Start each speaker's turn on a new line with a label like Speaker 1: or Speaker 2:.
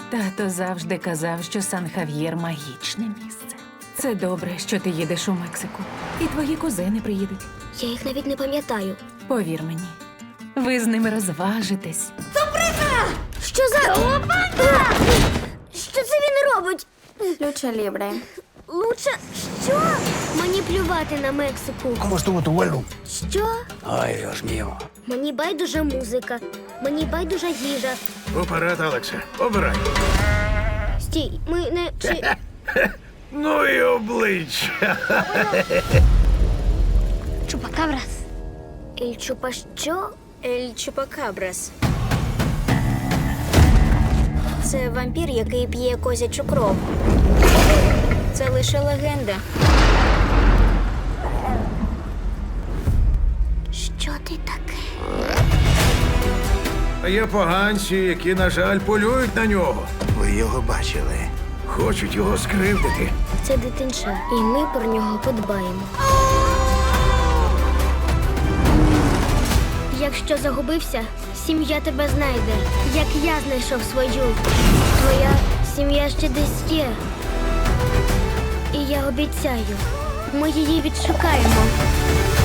Speaker 1: Тато завжди казав, що Сан-Хав'єр – магічне місце. Це добре, що ти їдеш у Мексику. І твої кузени приїдуть.
Speaker 2: Я їх навіть не пам'ятаю.
Speaker 1: Повір мені, ви з ними розважитесь.
Speaker 2: Що за... Опа! Що це він робить?
Speaker 3: Lucha libre.
Speaker 2: Лучше... Що? Мені плювати на Мексику.
Speaker 4: ¿Cómo estuvo tu vuelo?
Speaker 2: Що?
Speaker 4: Ay, Dios mío.
Speaker 2: Мені байдужа музика. Мені байдужа їжа.
Speaker 5: Уперед, Алексе, обирай.
Speaker 2: Стій, ми не... Чи...
Speaker 5: Ну і обличчя.
Speaker 2: Чупакабрас. Ель Чупа що?
Speaker 3: Ель Чупакабрас. Це вампір, який п'є козячу кров. Це лише легенда.
Speaker 2: Що ти таке?
Speaker 5: Є поганці, які, на жаль, полюють на нього.
Speaker 4: Ви його бачили?
Speaker 5: Хочуть його скривдити.
Speaker 2: Це дитинча, і ми про нього подбаємо. Якщо загубився, сім'я тебе знайде, як я знайшов свою. Твоя сім'я ще десь є. І я обіцяю, ми її відшукаємо.